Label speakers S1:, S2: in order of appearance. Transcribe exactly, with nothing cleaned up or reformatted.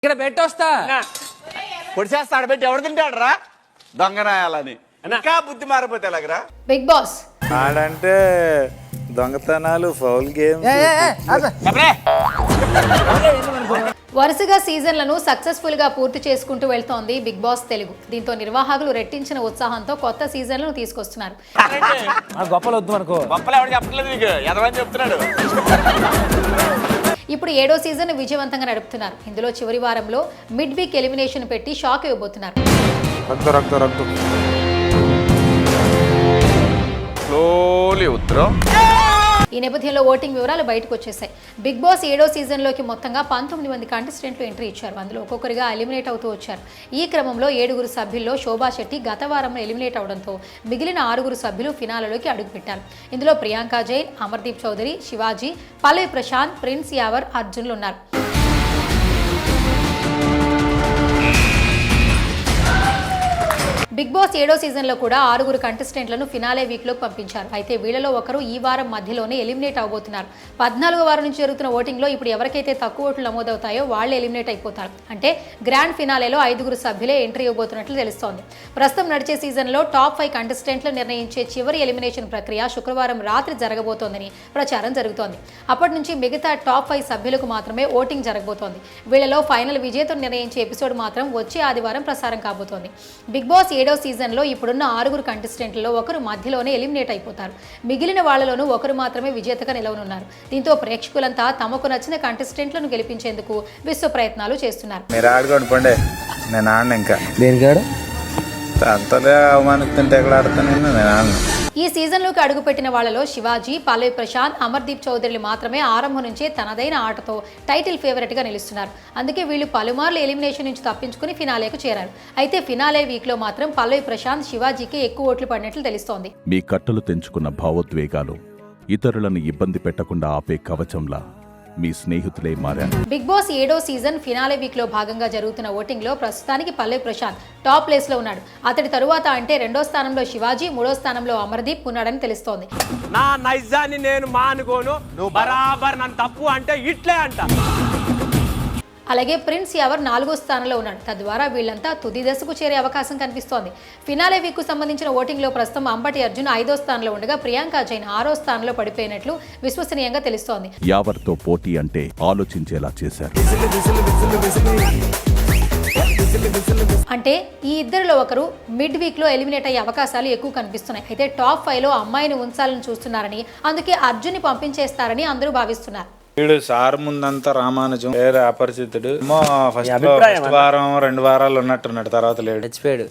S1: ఇక్కడ పెట్టొస్తా
S2: పొడిచేస్తా ఆడబెట్టి ఎవడు తింటాడు రా దొంగనాయాలని ఇంకా బుద్ధి మారిపోతే ఎలాగరా.
S3: బిగ్ బాస్
S4: ఆడంటే దొంగతనాలు ఫౌల్ గేమ్స్
S3: వరుసగా సీజన్లను సక్సెస్ఫుల్ గా పూర్తి చేసుకుంటూ వెళ్తోంది బిగ్ బాస్ తెలుగు. దీంతో నిర్వాహకులు రెట్టించిన ఉత్సాహంతో కొత్త సీజన్లను తీసుకొస్తున్నారు.
S1: గొప్పలు వద్దు అనుకో.
S2: గొప్పలు ఎవరు చెప్పట్లేదు నీకు, ఎదవని చెప్తున్నాడు.
S3: ఇప్పుడు ఏడో సీజన్ విజయవంతంగా నడుపుతున్నారు. ఇందులో చివరి వారంలో మిడ్ వీక్ ఎలిమినేషన్ పెట్టి షాక్ ఇవ్వబోతున్నారు.
S2: స్లోలీ ఉత్తరం.
S3: ఈ నేపథ్యంలో ఓటింగ్ వివరాలు బయటకు వచ్చేసాయి. బిగ్ బాస్ ఏడో సీజన్లోకి మొత్తంగా పంతొమ్మిది మంది కంటెస్టెంట్లు ఎంట్రీ ఇచ్చారు. అందులో ఒక్కొక్కరిగా ఎలిమినేట్ అవుతూ వచ్చారు. ఈ క్రమంలో ఏడుగురు సభ్యుల్లో శోభా శెట్టి గత వారంలో ఎలిమినేట్ అవడంతో మిగిలిన ఆరుగురు సభ్యులు ఫినాలలోకి అడుగుపెట్టారు. ఇందులో ప్రియాంక జైన్, అమర్దీప్ చౌదరి, శివాజీ, పల్లవి ప్రశాంత్, ప్రిన్స్ యావర్, అర్జున్లు ఉన్నారు. బిగ్ బాస్ ఏడో సీజన్లో కూడా ఆరుగురు కంటెస్టెంట్లను ఫినాలే వీక్లోకి పంపించారు. అయితే వీళ్ళలో ఒకరు ఈ వారం మధ్యలోనే ఎలిమినేట్ అవబోతున్నారు. పద్నాలుగో వారం నుంచి జరుగుతున్న ఓటింగ్లో ఇప్పుడు ఎవరికైతే తక్కువ ఓట్లు నమోదవుతాయో వాళ్ళే ఎలిమినేట్ అయిపోతారు. అంటే గ్రాండ్ ఫినాలేలో ఐదుగురు సభ్యులే ఎంట్రీ ఇవ్వబోతున్నట్లు తెలుస్తోంది. ప్రస్తుతం నడిచే సీజన్లో టాప్ ఫైవ్ కంటెస్టెంట్లు నిర్ణయించే చివరి ఎలిమినేషన్ ప్రక్రియ శుక్రవారం రాత్రి జరగబోతోందని ప్రచారం జరుగుతోంది. అప్పటి నుంచి మిగతా టాప్ ఫైవ్ సభ్యులకు మాత్రమే ఓటింగ్ జరగబోతోంది. వీళ్ళలో ఫైనల్ విజేతను నిర్ణయించే ఎపిసోడ్ మాత్రం వచ్చే ఆదివారం ప్రసారం కాబోతోంది. బిగ్ బాస్ ఏడో సీజన్లో ఇప్పుడున్న ఆరుగురు కంటెస్టెంట్లలో ఒకరు మధ్యలోనే ఎలిమినేట్ అయిపోతారు. మిగిలిన వాళ్లలోనూ ఒకరు మాత్రమే విజేతగా నిలవనున్నారు. దీంతో ప్రేక్షకులంతా తమకు నచ్చిన కంటెస్టెంట్లను గెలిపించేందుకు విశ్వ ప్రయత్నాలు చేస్తున్నారు.
S4: మీరు ఆడుకోండి పండే, నేను ఆడను. ఇంకా
S1: దేనికాడు
S4: అంతలే అవమానిస్తుంటే ఎక్కడ ఆడతాను నేను ఆడను.
S3: ఈ సీజన్లోకి అడుగుపెట్టిన వాళ్లలో శివాజీ, పల్లవి ప్రశాంత్, అమర్దీప్ చౌదరిలు మాత్రమే ఆరంభం నుంచే తనదైన ఆటతో టైటిల్ ఫేవరెట్ గా నిలుస్తున్నారు. అందుకే వీళ్ళు పలుమార్లు ఎలిమినేషన్ నుంచి తప్పించుకుని ఫినాలేకు చేరారు. అయితే ఫినాలే వీక్ లో మాత్రం పల్లవి ప్రశాంత్, శివాజీకి ఎక్కువ ఓట్లు పడినట్లు తెలుస్తోంది.
S5: మీ కట్టలు తెంచుకున్న భావోద్వేగాలు ఇతరులను ఇబ్బంది పెట్టకుండా ఆపే కవచంలా మీ స్నేహితులే మారారు.
S3: బిగ్ బాస్ ఏడో సీజన్ ఫినాలే వీక్ లో భాగంగా జరుగుతున్న ఓటింగ్ లో ప్రస్తుతానికి పల్లవి ప్రశాంత్ టాప్ ప్లేస్ లో ఉన్నాడు. అతడి తరువాత అంటే రెండో స్థానంలో శివాజీ, మూడో స్థానంలో అమర్దీప్ ఉన్నాడని తెలుస్తోంది.
S6: నా నైజాన్ని నేను మానుకోను, నువ్వు బరాబర్ నన్ను తప్పు అంటే ఇట్లే అంట.
S3: అలాగే ప్రిన్స్ యావర్ నాలుగో స్థానంలో ఉన్నాడు. తద్వారా వీళ్లంతా తుది దశకు చేరే అవకాశం కనిపిస్తోంది. ఫినాలే వీక్ కు సంబంధించిన ఓటింగ్ లో ప్రస్తుతం అంబటి అర్జున్ ఐదో స్థానంలో ఉండగా ప్రియాంక జైన్ ఆరో స్థానంలో పడిపోయినట్లు విశ్వసనీయంగా తెలుస్తోంది.
S5: యావర్తో పోటీ అంటే ఆలోచించేలా చేశారు.
S3: అంటే ఈ ఇద్దరిలో ఒకరు మిడ్ వీక్ లో ఎలిమినేట్ అయ్యే అవకాశాలు ఎక్కువ కనిపిస్తున్నాయి. అయితే టాప్ ఫైవ్ లో అమ్మాయిని ఉంచాలని చూస్తున్నారని, అందుకే అర్జున్ ని పంపించేస్తారని అందరూ భావిస్తున్నారు.
S4: వీడు సార్ ముందంతా రామానుజం, వేరే అపరిచితుడు. ఫస్ట్ వారం రెండు వారాలు ఉన్నట్టున్నాడు, తర్వాత లేడు.